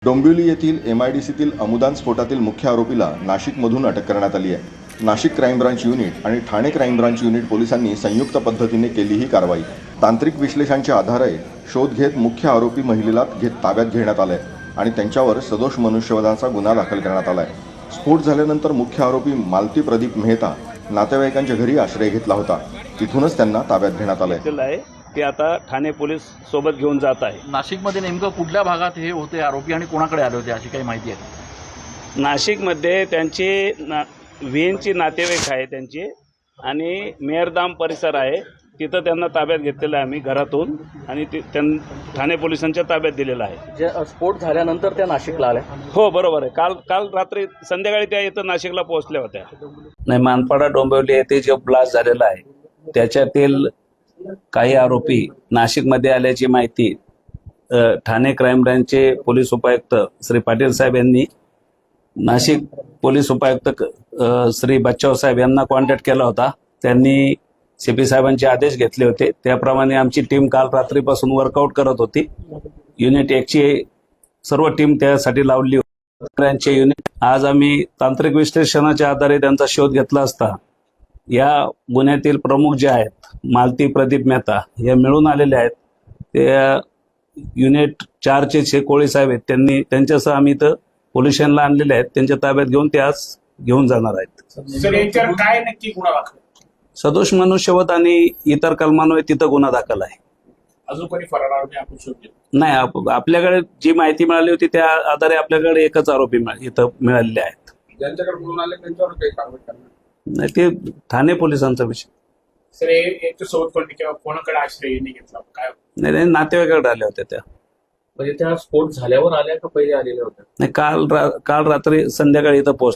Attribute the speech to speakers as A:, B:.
A: डोंबिवली येथील MIDCतील अमुदान स्फोटातील मुख्य आरोपीला नाशिकमधून अटक करण्यात आली आहे। नाशिक क्राईम ब्रांच युनिट आणि ठाणे क्राईम ब्रांच युनिट पोलिसांनी संयुक्त पद्धतीने केली ही कारवाई। तांत्रिक विश्लेषणाच्या आधारे शोध घेत मुख्य आरोपी महिलेला ताब्यात घेण्यात आले आणि त्यांच्यावर सदोष मनुष्यवधाचा गुन्हा दाखल करण्यात आला आहे। स्फोट झाल्यानंतर मुख्य आरोपी मालती प्रदीप मेहता नातेवाईकांच्या घरी आश्रय घेतला होता, तिथूनच त्यांना ताब्यात घेण्यात आले।
B: ते आता ठाणे पोलीस सोबत घेऊन जात आहे।
C: नाशिकमध्ये नेमकं कुठल्या भागात हे होते आरोपी आणि कोणाकडे आले होते अशी काही माहिती आहे?
B: नाशिकमध्ये त्यांचे विहींची नातेवाईक आहे त्यांचे आणि मेहरदाम परिसर आहे, तिथं त्यांना ताब्यात घेतलेलं आहे आम्ही घरातून आणि ठाणे पोलिसांच्या ताब्यात दिलेलं आहे।
C: जे स्फोट झाल्यानंतर त्या नाशिकला आल्या?
B: हो बरोबर आहे। काल रात्री संध्याकाळी त्या इथं नाशिकला पोहोचल्या होत्या।
D: नाही, मानपाडा डोंबिवली येथे जो ब्लास्ट झालेला आहे त्याच्यातील काही आरोपी नाशिकमध्ये आल्याची माहिती ठाणे क्राईम ब्रँचचे पोलीस उपायुक्त श्री पाटील साहेब यांनी नाशिक पोलीस उपायुक्त श्री बच्चाव साहेब यांना कॉन्टॅक्ट केला होता। त्यांनी CP साहेबांचे आदेश घेतले होते, त्याप्रमाणे आमची टीम काल रात्रीपासून वर्कआउट करत होती। युनिट 1 ची सर्व टीम त्यासाठी लावली होती। ब्रँचचे युनिट आज आम्ही तांत्रिक विश्लेषणाच्या आधारे त्यांचा शोध घेतला असता या गुन्ह्यातील प्रमुख जे आहेत मालती प्रदीप मेहता हे मिळून आलेले आहेत। ते युनिट 4 चे कोळी साहेब आहेत, त्यांच्यासह आम्ही इथं पोलीस स्टेशनला आणलेले आहेत। त्यांच्या ताब्यात घेऊन ते आज घेऊन जाणार आहेत।
E: सर याच्यावर काय नक्की गुन्हा दाखल?
D: सदोष मनुष्यवध आणि इतर कलमांवर तिथं गुन्हा दाखल आहे।
E: अजून कोणी फरार आरोपी आपण शोधले?
D: नाही, आपल्याकडे जी माहिती मिळाली होती त्या आधारे आपल्याकडे एकच आरोपी इथं मिळालेले आहेत।
E: ज्यांच्याकडे बोलून आले त्यांच्यावर काही कारवाई करणार
D: नाही, ते ठाणे पोलिसांचा विषय।
E: सर याच्या सोबत कोणी किंवा कोणाकडे आश्रय घेतला काय?
D: नाही, नातेवाईकाकडे आल्या होत्या त्या।
C: म्हणजे त्या स्फोट झाल्यावर आल्या का पहिले आलेल्या होत्या?
D: नाही, काल रात्री संध्याकाळी इथं पोहोच